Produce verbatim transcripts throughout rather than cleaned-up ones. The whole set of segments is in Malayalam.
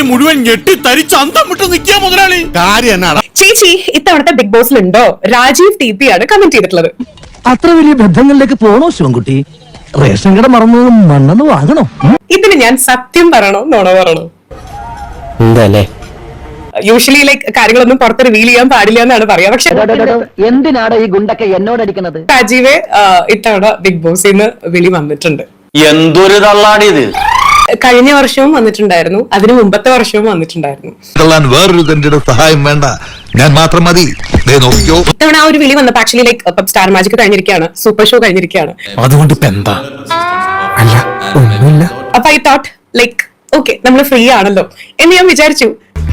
മുഴുവൻ ഞെട്ടി തരിച്ച് അന്തം വിട്ട് നിൽക്കുക മുതലാളി. കാര്യം എന്നാണ് ചേച്ചി ഇത്തവണത്തെ ബിഗ് ബോസിലുണ്ടോ? രാജീവ് ടി പി ആണ് കമന്റ് ചെയ്തിട്ടുള്ളത്. അത്ര വലിയ ബന്ധങ്ങളിലേക്ക് പോണോ ശിവൻകുട്ടി? റേഷൻ കട മറന്നു മണ്ണെന്ന് വാങ്ങണോ? ഇതിന് ഞാൻ സത്യം പറയണോ നോണ പറയണോ? എന്തല്ലേ യൂഷ്വലി ലൈക്ക് കാര്യങ്ങളൊന്നും പുറത്ത് റിവീൽ ചെയ്യാൻ പാടില്ല എന്നാണ് പറയാ. പക്ഷെ എന്തിനാണ് ഈ ഗുണ്ടൊക്കെ എന്നോടടിക്കുന്നത്? രാജീവ് ഇത്തവണ ബിഗ് ബോസിൽ നിന്ന് വിളി വന്നിട്ടുണ്ട്. എന്തൊരു തള്ളാടിയത്. കഴിഞ്ഞ വർഷവും വന്നിട്ടുണ്ടായിരുന്നു, അതിന് മുമ്പത്തെ വർഷവും വന്നിട്ടുണ്ടായിരുന്നു. വേറൊരു സഹായം വേണ്ട, ഞാൻ മാത്രം മതി. ഇത്തവണ ആ ഒരു വിളി വന്നപ്പോ ആക്ച്വലി ലൈക്ക് സ്റ്റാർ മാജിക് കഴിഞ്ഞിരിക്കുകയാണ്, സൂപ്പർ ഷോ കഴിഞ്ഞിരിക്കുകയാണ്. അതുകൊണ്ട് ഇപ്പൊ എന്താ? അല്ല ഒന്നുമില്ല. അപ്പൊ ഐ തോട്ട് ലൈക്ക് ഓക്കെ നമ്മൾ ഫ്രീ ആണല്ലോ എന്ന് ഞാൻ വിചാരിച്ചു.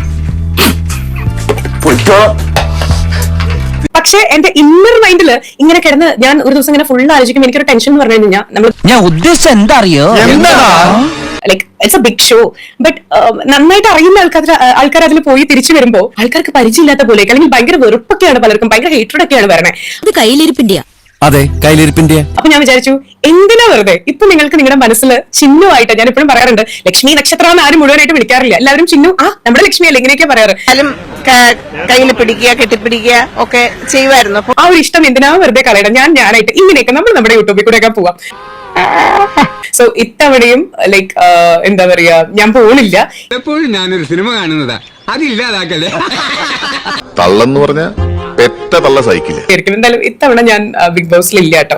പക്ഷെ എന്റെ ഇന്നർ മൈൻഡില് ഇങ്ങനെ കിടന്ന് ഞാൻ ഒരു ദിവസം ഇങ്ങനെ ഫുൾ ആലോചിക്കും. എനിക്കൊരു ടെൻഷൻ എന്ന് പറഞ്ഞു കഴിഞ്ഞാൽ നമ്മൾ ഞാൻ ഉദ്ദേശിച്ച എന്താ അറിയോ? Like it's a big show, but നന്നായിട്ട് അറിയുന്ന ആൾക്കാർ ആൾക്കാർ അതിൽ പോയി തിരിച്ചു വരുമ്പോ ആൾക്കാർക്ക് പരിചയമില്ലാത്ത പോലെ, അല്ലെങ്കിൽ ഭയങ്കര വെറുപ്പൊക്കെയാണ്, പലർക്കും ഭയങ്കര ഹേറ്റഡ് ഒക്കെയാണ് വരണേ. അത് കയ്യിലിരിപ്പിന്റെയാ. അതെ, കയ്യിലിരിപ്പിന്റെ. അപ്പൊ ഞാൻ വിചാരിച്ചു എന്തിനാ വെറുതെ ഇപ്പൊ നിങ്ങൾക്ക് നിങ്ങളുടെ മനസ്സിൽ ചിഹ്നമായിട്ട്, ഞാൻ എപ്പോഴും പറയാറുണ്ട് ലക്ഷ്മി നക്ഷത്രം എന്ന് ആരും മുഴുവനായിട്ട് വിളിക്കാറില്ല, എല്ലാവരും ചിഹ്നം ആ നമ്മുടെ ലക്ഷ്മി അല്ല ഇങ്ങനെയൊക്കെ പറയാറ്. കയ്യിൽ പിടിക്കുക കെട്ടിപ്പിടിക്കുക ഒക്കെ ചെയ്യുമായിരുന്നു. ആ ഒരു ഇഷ്ടം എന്തിനാ വെറുതെ കളയണം. ഞാൻ ഞാനായിട്ട് ഇങ്ങനെയൊക്കെ നമ്മൾ നമ്മുടെ യൂട്യൂബിൽ കൂടെ ഒക്കെ പോവാം. സോ ഇത്തവണയും ലൈക്ക് എന്താ പറയാ, ഞാൻ പോണില്ല. എപ്പോഴും ഞാനൊരു സിനിമ കാണുന്നതാ, അതില്ലാതാക്കല്ലേ. തള്ളെന്ന് പറഞ്ഞ പെറ്റ തള്ള സൈക്കിള്. എന്തായാലും ഇത്തവണ ഞാൻ ബിഗ് ബോസിൽ ഇല്ല കേട്ടോ.